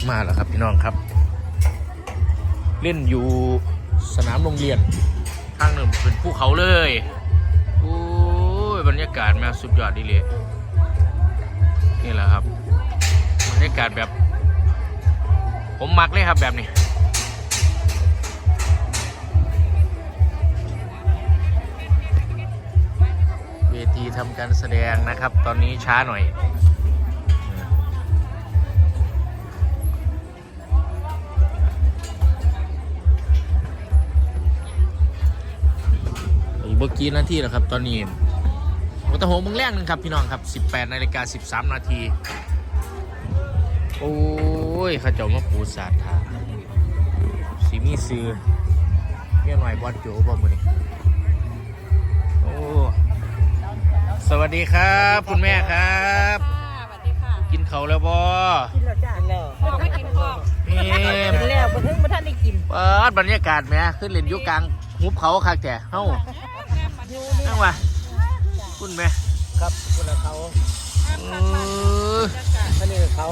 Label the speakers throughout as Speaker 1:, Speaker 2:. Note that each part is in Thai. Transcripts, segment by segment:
Speaker 1: มาแล้วครับพี่น้องครับเล่นอยู่สนามโรงเรียนทางหนึ่งเป็นภูเขาเลยโอ้ยบรรยากาศมาสุดยอดดีเลยนี่แหละครับบรรยากาศแบบผมมักเลยครับแบบนี้เวทีทำการแสดงนะครับตอนนี้ช้าหน่อยเมื่อกี้นาทีแล้วครับตอนนี้วัตถุมึงแรกนึงครับพี่น้องครับ18:13 นาทีโอ้ยข้าเจ้ามาปูสาดทาสีมีซื้อเมียหน่อยบอลโจบอลมือนี่โอ้สวัสดีครับคุณแม่ครับ
Speaker 2: สวัสดีค่ะ
Speaker 1: กินเขาแล้วบอ
Speaker 2: กินแล้วจ้ากินแล้วไม่กินพอกินแล้วบ่ถึงบ่ทันได้กิน
Speaker 1: เปิดบรรยากาศแม่ขึ้นเล่นอยู่กลางหุบเขาคักแต่เฮ้านั่งวะคุณแม่
Speaker 3: ครับคุณเขาท่านนี่เขา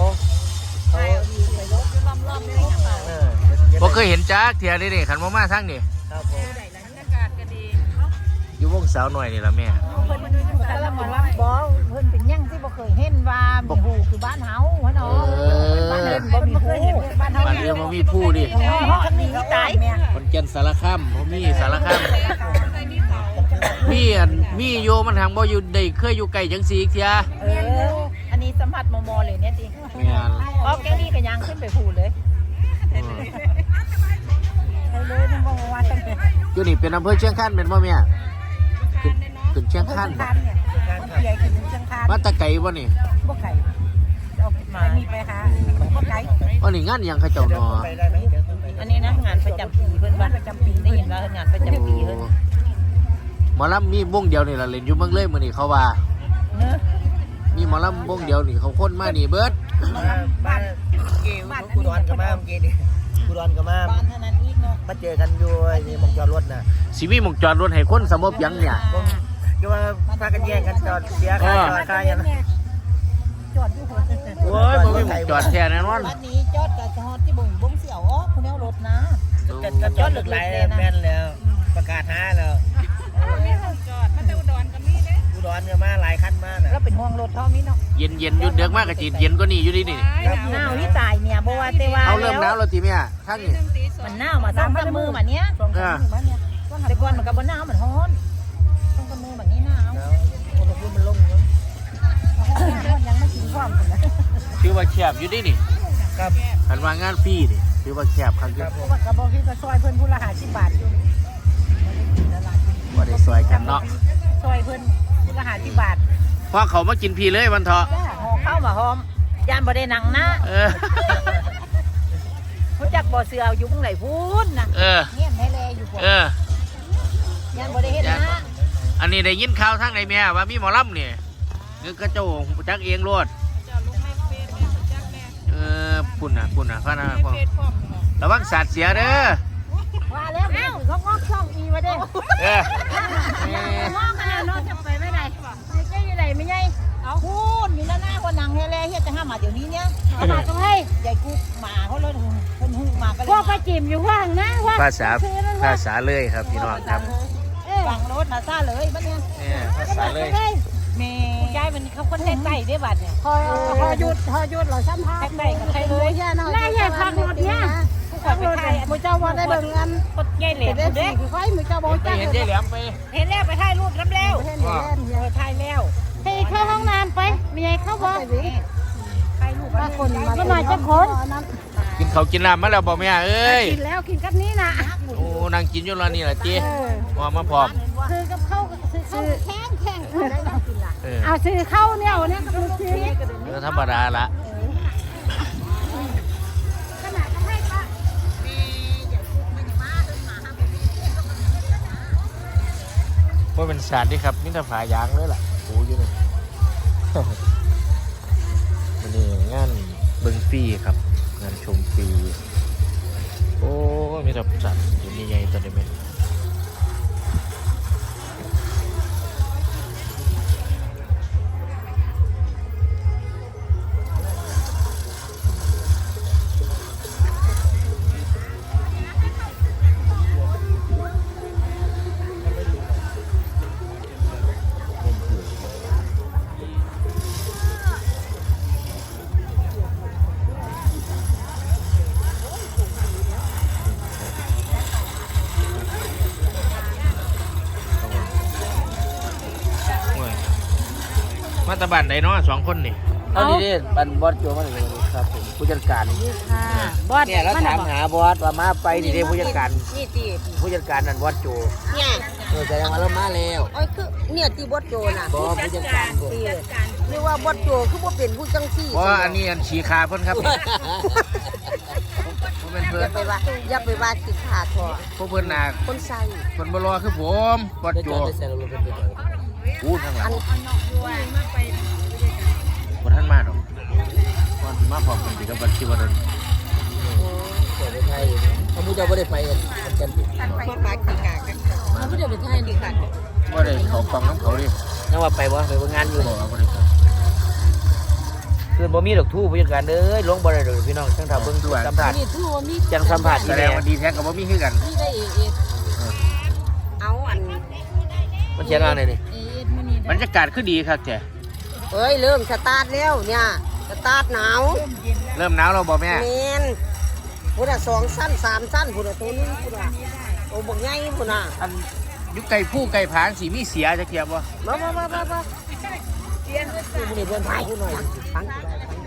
Speaker 1: ผมเคยเห็นจ้าเทียนี่นี่ขันมาทั้งนี่
Speaker 3: ครับผม
Speaker 2: บรรยากาศก็ดี
Speaker 1: อยู่วงสาวหน่อยนี่ละแม่
Speaker 2: เพิ่นแต่ละบอกว่าบ่เพิ่นเป็นยังที่บ่เคยเห็นว่ามีหูคือบ้านเฮาหัวเนาะบ้านเพิ่นบ่มีหูบ้านเฮา
Speaker 1: บ้านเรือมามีผู้ดิ
Speaker 2: คันนี้ตาย
Speaker 1: คนแก่นสารคามผมมีสารคามมีโยมันทางบ่อยู่ได้เคยอยู่ไกลจังสีอีกเทีย
Speaker 2: อันนี้สัมผัสมอเลยเนี่ยติออกแกนี่ก็ยังขึ้นไปพูดเลยให้เลยนึงบ่ว่าจัง
Speaker 1: อยู่นี่เป็นอำเภอเชียงคานเป็นบ่แม่ขึ้นเชียงคานบ่
Speaker 2: ใหญ่ขึ้นเชียงคาน
Speaker 1: มาตะไกบ่นี่
Speaker 2: บ่ไกลเอามามีไปหาบ่ไกล
Speaker 1: บ่นี่งานยังเขาเจ้าเนาะ
Speaker 2: อันนี้นะงานประจำปีเพิ่นว่าประจำปีได้ยินว่างานประจำปีเพิ่น
Speaker 1: หมอลำมีวงเดียวนี่ล่ะเล่นอยู่เมืองเลยมื้อนี้เขาว่ามีหมอลำวงเดียวนี่เขาคนมานี่เบิด
Speaker 3: บ้านเกี่ยวกูดอนกับมาเมื่อกี้นี่กูดอนกับมา
Speaker 2: บ้านเท่านั้นอีกเนาะ
Speaker 3: มาเจอกันอยู่นี่หมองจอดรถน่ะ
Speaker 1: สิมีหม่องจอดรถให้คนสมบยังเนี่ย
Speaker 3: ก็ว่าพากันแย่งกันจอดเสียค่าจอดค่าอย่างนั้น
Speaker 2: จอดอยู่
Speaker 1: โอ้ยบ่มีหม่องจอดแท้แน่นอน
Speaker 2: บัดนี้จอดก็จอดที่บ่งเสี่ยวอ๋อคุณเอารถนะ
Speaker 3: ก็จอดหลากหลายแม่นแล้วประกาศหาแล้ว
Speaker 2: จอดมาแต่อุดรก็มีเด้
Speaker 3: อุดรก็มาหลายคันมาน่ะ
Speaker 2: แล้วเป็นห่วงรถเท่านี้เนาะ
Speaker 1: เย็นอยู่เดือกมากก็สิเย็นกว่านี้อยู่ดินี่
Speaker 2: หนาวที่ตายเนี่ยบ่ว่าแต่ว่า
Speaker 1: เอาเริ่มหนาวแล้วติแม่ทั้งนี่
Speaker 2: มันหนาวมา2-3 มื้อมาเนี้ย2-3 มื้อมาเนี้ยแต่ก่อนมันก็บ่หนาวมันร้อน2-3 มื้อแบบนี้หนาว
Speaker 3: อุณหภูมิมันลงแล้ว
Speaker 2: ยังไม่ถึงความพุ่นนะ
Speaker 1: ถือว่าแคบอยู่ดินี่
Speaker 3: ครับ
Speaker 1: คันว่างานฟรีนี่ถือว่าแคบครับ
Speaker 2: เพราะว่ากระบอกที่ก็ซอยเพิ่นผู้ละ50 บาทอยู่
Speaker 1: บ่ได้ซอยกันเนาะ
Speaker 2: ซอยเพิ่นผู้ละ50 บาท
Speaker 1: พอเขามากินพี่เลยวันเถาะ
Speaker 2: ห่อข้าวมาหอมย่านบ่ได้หนังนะรู้จักบ่เสืออยู่ตรงไหนพูนนะเงียบให้แลอยู่บ่ย่านบ่ได้เฮ็ดนะ
Speaker 1: อันนี้ได้ยินข่าวทางไหนแม่ว่ามีหมอลำนี่คือกระโจงจักเองโลดปุ่นน่ะพะนะระวังสาดเสียเด้อ
Speaker 2: ว่าแล้วเขางอกช่องอีมาเด้งอกขนาดนอนจะไปไม่ได้ไม่ใช่อยู่ไหนไม่ใช่พูดมีหน้าคนนังเฮเลเฮ็ดจะห้ามมาเดี๋ยวนี้เนี่ยมาตรงให้ใหญ่กูหมาเขาเลยคนหูหมาก็เลยพวกไปจิ้มอยู่ว่างนะว่า
Speaker 1: ภาษาเลยครับพี่น้องครับ
Speaker 2: ฟังรถมาซาเลยบ้านเนี่ย
Speaker 1: ภาษาเลย
Speaker 2: แม่ยายมันเขาคนแทงไก่ได้บัดเนี่ยพอหยุดเราซ้ำท่าแทงไก่กับใครเลยน่าแย่ฟังรถเนี่ยขับไปไทยมือเจ้าบอลได้เบิ่งกันกดใหญ่เหลี่ยมเด้คือไฟมือเจ้าบอลจ้า
Speaker 1: เห็นใหญ่เหลี่ยมไป
Speaker 2: เห็นแล้วไปถ่ายรูปรับแล้วถ่ายแล้วให้เข้าห้องน้ำไปมีไงเข้าบ่ถ่ายรูปมาคนมาจะคน
Speaker 1: กินเขากินน้ำมาแล้วบอกแม่เอ้ย
Speaker 2: กินแล้วกินกับนี้นะ
Speaker 1: โอ้นางกินอยู่แล้วนี่แหละจีมาพร้อม
Speaker 2: คือกับข้าวคือแข็งเอาซื้อข้าวเนี่ยก็เป็นซื้อ
Speaker 1: ธรรมดาละเพราะเป็นศาสตร์ที่ครับมิตรฝายางเลยล่ะโอ้ยนี่วันนี้งานเบิ้งฟรีครับงานชมฟรีโอ้มิตรศาสตร์อยู่นี่ใหญ่ตัวเดียวตะบันใดเนาะ2คนนี่
Speaker 3: เอาดีๆบันบอสโจมาเลยครับผมผู้จัดการ
Speaker 2: ค่ะบอส
Speaker 3: เนี่ยแล้วถามหาบอสว่ามาไปดีๆผู้จัดการ
Speaker 2: นี่ตี
Speaker 3: ผู้จัดการนั่นบอสโจ
Speaker 2: เนี่ย
Speaker 3: แสดงว่าเรามาแล้ว
Speaker 2: โอ้ยคือเนี่ยตีบอสโจน่ะ
Speaker 3: บอสผู้จัดการผม
Speaker 2: ตีหรือว่าบอสโจคือบ่เป็นผู้จังซี่
Speaker 1: เพราะว่าอันนี้อันฉีคาเพิ่นครับผมเป็น
Speaker 2: อ
Speaker 1: เพิ่น
Speaker 2: ย่าไปว่าคิดขาดพอ
Speaker 1: พวกเพิ่นน่ะ
Speaker 2: คนใส่
Speaker 1: เพิ่นบ่รอคือผมบอด
Speaker 3: ได้
Speaker 1: โจ
Speaker 3: จอดได้แซงรถเป็นตัว
Speaker 1: พูดข้างหลั
Speaker 2: อั
Speaker 1: ง
Speaker 2: น
Speaker 1: บ่ทันมาดอกก่อนสิมาพร้อมกันสิกับบัดคิดว่าเดิน
Speaker 3: จอดได้ไทยเขาผู้เจ้าไม่ได้ไปกันติด
Speaker 2: มาปาขี้กากันเขาบ่ได้ไปไทยนี่ค่ะ
Speaker 1: บ่ได้เข้ากล่องน้ำเขาดิ
Speaker 3: นั่งว่าไปบ่ไปงานอยู่
Speaker 1: บ่เอาบ่ได้เข้า
Speaker 3: คือบ่มีดอกทู่ผู้จัดการเอ้ยลงบ่ได้เลยพี่น้องจังถ้าเบิ่งสัมผัส
Speaker 2: นี่ถือว่ามี
Speaker 3: จังสัมผัส
Speaker 1: แส
Speaker 3: ที่
Speaker 1: ด
Speaker 3: แม่
Speaker 1: งว่าดีแท้ก็บ่มีคือกัน
Speaker 2: มีได้เอเอาอัน
Speaker 3: มันเขียนว่าไงนี่
Speaker 2: มื้อนี้
Speaker 1: บรรยากาศคือดีครับแก
Speaker 2: เอ้ยเริ่มสตาร์ทแล้วเนี่ยสตาร์ทหนาว
Speaker 1: เริ่มหนาวแล้วบ่แม่
Speaker 2: แมนพุทธะ2สั้น3สั้นพุทธะตัวนึงพุทธะโอ้บักใหญ่พุทธะ
Speaker 1: อันอยู่ไก่ผู้ไก่ผางสิมีเสียจักเทียบบ่
Speaker 2: มา
Speaker 3: ผู้นี้เพิ่นถ่ายผู้หน่อย
Speaker 2: ฟัง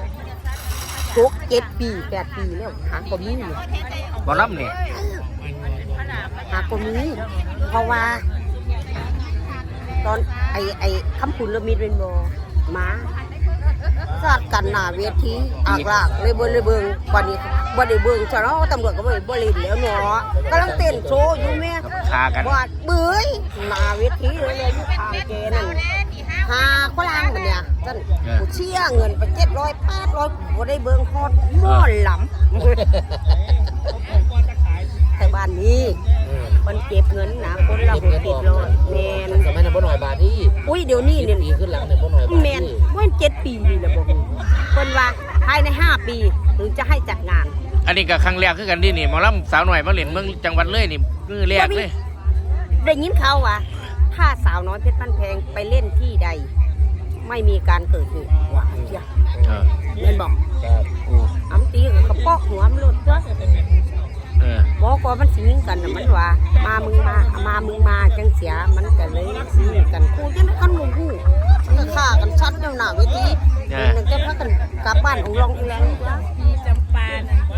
Speaker 2: 7 ปี 8 ปีแล้วหาก็มีอยู่
Speaker 1: บ่รับนี่
Speaker 2: หาก็มีเพราะว่า ตอนไอ้คำพูดละมิดเป็นบ่มาสาดกันหน้าเวทีอากลากเลยเบิ่งบัดนี้บ่ได้เบิ่งซะเนาะตำรวจก็บ่เล่นแล้วเนาะกำลังเต้นโชว์อยู่แม่
Speaker 1: คากัน
Speaker 2: บาดเบื่อยหน้าเวทีเลยอยู่ทางเกนั่นหาฝรั่งมันเนี่ยจันกูเชี่ยเงินไป700 800บ่ได้เบิ่งฮอดหม้อหลำแต่บ้านนี้มันเก็บเงินนะคนละ60-100แม่น
Speaker 3: สมัยนั้นบ่หน่อยบาทที่
Speaker 2: อุ้ยเดี๋ยวนี้เนี่ย
Speaker 3: ปีขึ้นหลังเนี่ยบ่หน่อยบาท
Speaker 2: แม่นว่า7 ปีนี่แหละบ่ฮู้เพิ่นว่าภายใน5 ปีถึงจะให้จัดงาน
Speaker 1: อันนี้ก็ครั้งแรกคือกันดินี่หมอลำสาวหน่อยมาเล่นเมืองจังหวัดเลยนี่มือแรกเลย
Speaker 2: ได้ยินข่าวว่าถ้าสาวน้อยเพชรบ้านแพงไปเล่นที่ใด ไม่มีการเกิดเหตุว่าเจ้า
Speaker 1: เออ
Speaker 2: เล่นบอก
Speaker 3: ครับ
Speaker 1: โอ้
Speaker 2: อ้ำตีกับกระปอกหัวมันหลุดตัว
Speaker 1: เออ
Speaker 2: บอกว่ามันสิยิงกันน่ะมันว่ามามึงมาจังเสียมันก็เลยสิยิงกันกูจังกันหมู่ฮู้มันก็ฆ่ากันชัดเจ้าหน้าเวทีมันจะพากันกลับบ้านองลองอีแรงพี่จำปา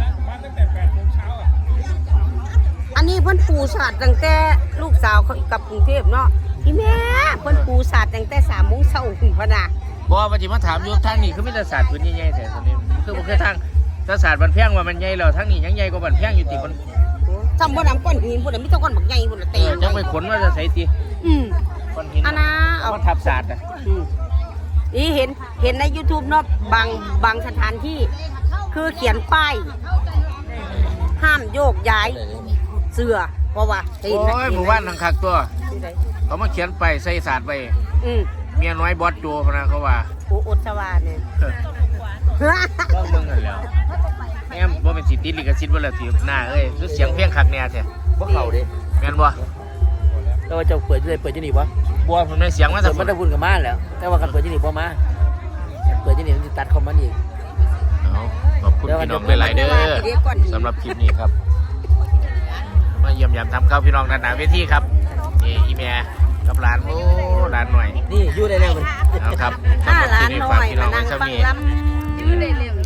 Speaker 2: อันนี้เพิ่นปูศาสตร์ตั้งแต่ลูกสาวเขากลับกรุงเทพเนาะพี่แม่เพิ่นปูศาสตร์ตั้งแต่3 โมงเช้าพุ่นพะนะ
Speaker 1: บ่ว่าสิมาถามอยู่ทางนี้คือมีแต่ศาสตร์พื้นใหญ่ๆแต่ตอนนี้คือบ่คือทางแต่ศาสตร์บันแพงว่ามันใหญ่แล้วทางนี้ยังใหญ่กว่าบันแพงอยู่ติมัน
Speaker 2: ทำบ่นำก้อนหินบ่ได้มีแต่ก้อนบักใหญ่บ่ละเตะ
Speaker 1: จังไปขนว่าจะใส่ติ ก้อนหิน
Speaker 2: อันน่ะเอา
Speaker 1: มันทับศาสตร์อ่ะ
Speaker 2: นี่เห็นใน YouTube เนาะบางสถานที่คือเขียนป้ายห้ามโยกย้ายเสื้อเพราะว่า
Speaker 1: โอ้ยหมู่บ้านทางคักตัว
Speaker 2: ที่ใด
Speaker 1: เขามาเขียนไปใส่ศาสตร์ไป
Speaker 2: อืม
Speaker 1: เมียน้อยบอสโจพะนะเขาว่า
Speaker 2: โอ้อดสวาเนี่ย
Speaker 1: ต้องเบิ่งกันแล้วแม่บ่เป็นสิติดลิขสิทธิ์บ่ล่ะสิหน้าเอ้ยคือเสียงเพลงคักแน่แท้
Speaker 3: บ่เข้าดิ
Speaker 1: แม่นบ่
Speaker 3: แต่ว่าเจ้าเปิดที่นี่บ่
Speaker 1: บัวผมได้เสียงมา
Speaker 3: เปิ
Speaker 1: สั
Speaker 3: ด
Speaker 1: ก
Speaker 3: มันได้บุญกับมาแล้ว แต่ว่ากันเปิดที่นี่บ่มาเปิดที่นี่มันสิตัดคอมมันอีก
Speaker 1: ขอบคุณพี่น้องหลายๆเด้อสำหรับคลิปนี้ครับ มาเยี่ยมยามทำข้าวพี่น้องด้านหน้าเวทีครับนี่อีแม่กับหลานโอ้หลานหน่อย
Speaker 3: นี่อยู่ได้แล้วมัน
Speaker 1: เอาครับ
Speaker 2: ถ้าหลาน
Speaker 1: สำ
Speaker 2: น้
Speaker 1: หรับ
Speaker 2: อย
Speaker 1: คลิป
Speaker 2: มา
Speaker 1: นี้ฝากพี่น้อง
Speaker 2: นั่ง
Speaker 1: ไว้เท่า
Speaker 2: ฟัง
Speaker 1: นี้
Speaker 2: ลำ